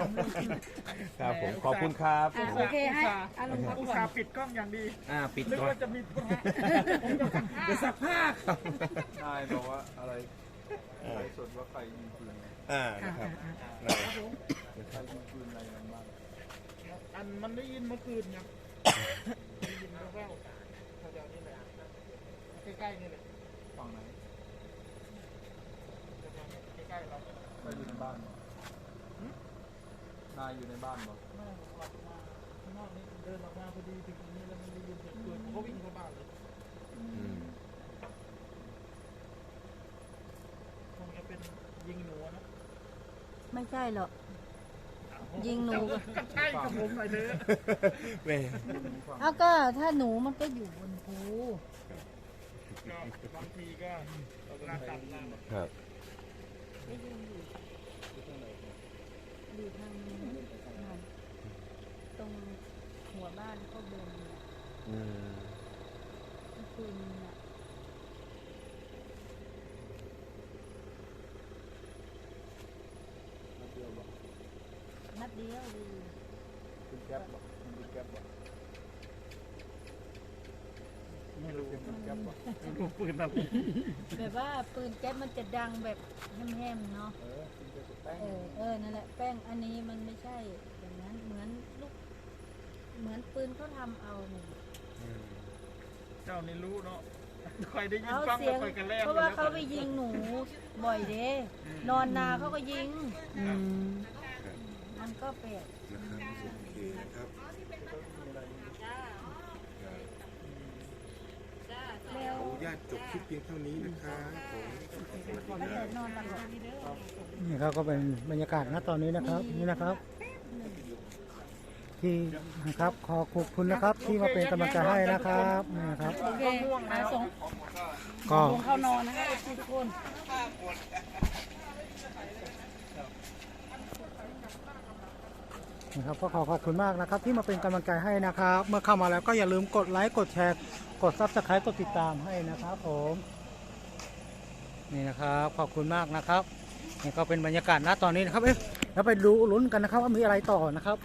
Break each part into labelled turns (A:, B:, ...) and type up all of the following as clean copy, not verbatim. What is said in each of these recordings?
A: ครับผมขอบคุณครับ
B: โอเคให้อารมณ์พัก
C: อุต
B: ผ่อ
C: ส่าน ห์ปิดกล้องอย่างดี
A: ปิด
C: นึก
A: ก่อน
C: ว่าจะมีผมจะซักผ้า
D: ใช่บอกว่าอะไรอะไรสดว่าใครยิงปืน
A: นะครับ
D: ใครยิงปืนอะไรกันบ้าง
C: อันมันได้ยินเมื่อคืนครับได้ยินแว่วๆแถวๆนี้แหละใกล้ๆนี่แหละ
D: ฝั่งไหน
C: ใกล้ๆเรา
D: ใครอยู่ในบ้านบ่นายอยู่ในบ้านบ่
C: ไม่ผมออกมาข้างนอกนี่เดินออกมาพอดีถึงตรงนี้แล้วมันได้ยินเสียงปืนผมก็วิ่งเข้าบ้านเลยคงจะเป็นยิงหนูนะ
B: ไม่ใช่หรอกยิงหนู
C: ก็ใช่กับผมหน่อยเถอะ
A: แม่
B: เอาก็ถ้าหนูมันก็อยู่บนภู
C: ก็บางทีก็ลาตัดล่าง
A: ครับ
B: อยู่ทางตรงหัวบ้านก็บนเนี่ยเมื่อคืนเนี่ย
D: นัดเดียวบ่
B: นัดเดียวดี
D: เป็นแก๊ปบ่มันเป็นแก๊ปบ่
C: ไม่รู้
D: เป็นแก๊ปบ่
C: ไม่รู้ปืนอะไร
B: แบบว่าปืนแก๊ปมันจะดังแบบแหมๆเนาะ
D: เป็นแก๊ปแป้ง
B: นั่นแหละแป้งอันนี้มันไม่ใช่อย่างนั้นเหมือนลูกเหมือนปืนเขาทำเอาเนี่ย
C: เจ้านี่รู้เนาะคอยได้ยิน
B: เอา
C: ฟัง
B: เสี
C: แล้
B: ยว ง
C: คอยกันแล่น
B: เพราะว่าเขาไปยิงหนูบ่อยเด้นอนนาเขาก็ยิงมันก็แปลก
A: โอเคนะครับ
B: แล้ว
A: ขออนุญาตจบคลิปเพียงเท่านี้นะครับผม
B: นอนหลับ
E: นี่ครับก็เป็นบรรยากาศณตอนนี้นะครับนี่นะครับ ที่นะครับขอขอบคุณนะครับที่มาเป็นกำลังใจให้นะครับนี่นะครับ
B: โอเคส่ง
E: ก็
B: เข้านอนนะคะทุกคน
E: นะครับก็ขอขอบคุณมากนะครับที่มาเป็นกำลังใจให้นะครับ เมื่อเข้ามาแล้วก็อย่าลืมกดไลค์กดแชร์กด Subscribe กดติดตามให้นะครับผมนี่นะครับขอบคุณมากนะครับนี่ก็เป็นบรรยากาศณตอนนี้นะครับแล้วไปดูลุ้นกันนะครับว่ามีอะไรต่อนะครับ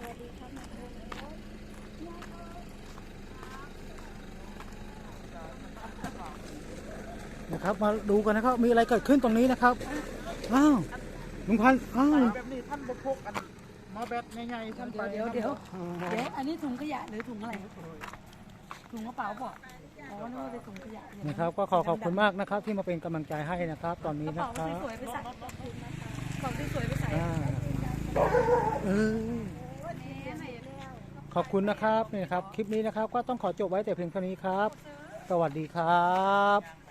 E: นะครับมาดูกันนะครับมีอะไรเกิดขึ้นตรงนี้นะครับอ้าวลุงพันธุ์อ้าว
C: แบบนี้ท่านบกพกอันมาแบตใหญ่ๆท่านไป
B: เดี๋ยวอันนี้ถุงขยะหรือถุงอะไรถุงกระเป๋าเปล่าอ๋อนึกว่าเป็นถุงขยะ
E: นะครับก็ขอขอบคุณมากนะครับที่มาเป็นกำลังใจให้นะครับ ตอนนี้
B: กระ
E: นะ
B: เป๋า
E: ครับ
B: สวยๆไปใส่ของสวยๆไปใส่
E: เออขอบคุณนะครับนี่ครับคลิปนี้นะครับก็ต้องขอจบไว้แต่เพียงเท่านี้ครับ สวัสดีครับ